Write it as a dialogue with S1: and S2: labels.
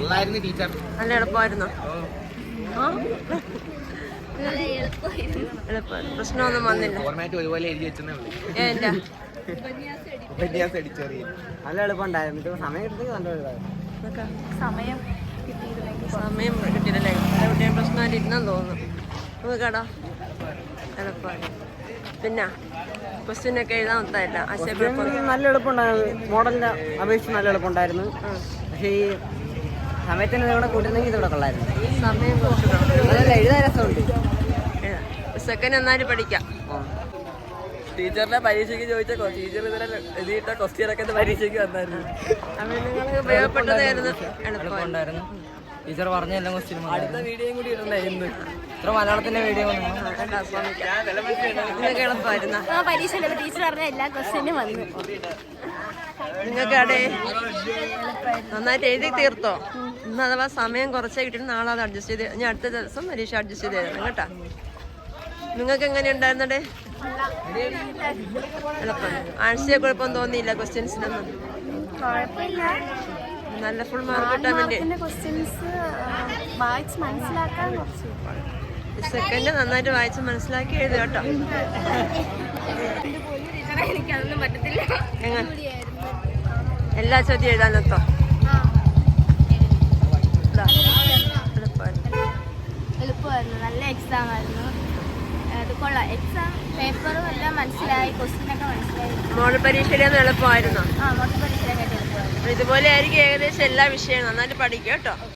S1: നല്ല എളുപ്പമായിരുന്നോ? പ്രശ്നമൊന്നും വന്നില്ല.
S2: നല്ല എളുപ്പമുണ്ടായിരുന്നു. സമയം
S1: കിട്ടിയില്ലല്ലേ? എവിടെയും പ്രശ്നമായിട്ട് ഇരുന്നെന്ന് തോന്നുന്നു. നോക്കടാ എളുപ്പമായി. പിന്നെ ക്വസ്റ്റ്യനൊക്കെ എഴുതാൻ ഒത്തായില്ല.
S2: നല്ല എളുപ്പമുണ്ടായിരുന്നു. മോഡലിന്റെ അപേക്ഷിച്ച് നല്ല എളുപ്പമുണ്ടായിരുന്നു. പക്ഷേ ഈ സമയത്തിന് ഇവിടെ കൂട്ടുന്നെങ്കിൽ ഇതോടെ കൊള്ളായിരുന്നു.
S1: സമയം കുറച്ച്
S2: എഴുതാൻ രസമുണ്ട്.
S1: സെക്കൻഡ് നന്നായിട്ട് പഠിക്കാം.
S2: ടീച്ചറിനെ പരീക്ഷയ്ക്ക് ചോദിച്ച ടീച്ചർ ഇതിനെ എഴുതിയിട്ട ക്വസ്റ്റ്യനൊക്കെ പരീക്ഷയ്ക്ക് വന്നായിരുന്നു.
S1: നിങ്ങൾക്ക് ഉപയോഗപ്പെട്ടതായിരുന്നു.
S2: എളുപ്പമുണ്ടായിരുന്നു. ടീച്ചർ പറഞ്ഞ എല്ലാ ക്വസ്റ്റ്യനും അടുത്ത വീഡിയോയും കൂടി ഇടണ്ടേ? ഇന്ന് ഇത്ര മലയാളത്തിന്റെ വീഡിയോ
S1: നിങ്ങൾക്ക് എളുപ്പമായിരുന്നു.
S3: പരീക്ഷ ടീച്ചർ പറഞ്ഞ എല്ലാ ക്വസ്റ്റ്യനും വന്നു.
S1: നിങ്ങൾക്ക് അവിടെ നന്നായിട്ട് എഴുതി തീർത്തോ? ഇന്ന് അഥവാ സമയം കുറച്ചേ കിട്ടിയിട്ട് നാളെ അത് അഡ്ജസ്റ്റ് ചെയ്ത് ഞാൻ അടുത്ത ദിവസം പരീക്ഷ അഡ്ജസ്റ്റ് ചെയ്ത് തരണം കേട്ടോ. നിങ്ങൾക്ക് എങ്ങനെ ഉണ്ടായിരുന്നേ? എളുപ്പം. ആഴ്ചയെ കുഴപ്പം തോന്നിയില്ല ക്വസ്റ്റ്യൻസിനൊന്നും? നല്ല ഫുൾ മാർക്ക് കിട്ടാൻ വേണ്ടി സെക്കൻഡ് നന്നായിട്ട് വായിച്ച് മനസ്സിലാക്കി എഴുതുക കേട്ടോ. എല്ലാ ചോദ്യം എഴുതാനെത്തോ?
S3: എളുപ്പമായിരുന്നു. നല്ല എക്സാം ആയിരുന്നു. അത് കൊള്ളാം. എക്സാം പേപ്പറും എല്ലാം മനസ്സിലായി. ക്വസ്റ്റ്യനൊക്കെ മനസ്സിലായി.
S1: മോഡൽ പരീക്ഷയിലൊന്നും എളുപ്പമായിരുന്നോ?
S3: മോഡൽ പരീക്ഷയിലൊക്കെ എളുപ്പമായിരുന്നു.
S1: ഇതുപോലെ ആയിരിക്കും ഏകദേശം എല്ലാ വിഷയവും. നന്നായിട്ട് പഠിക്കുക കേട്ടോ.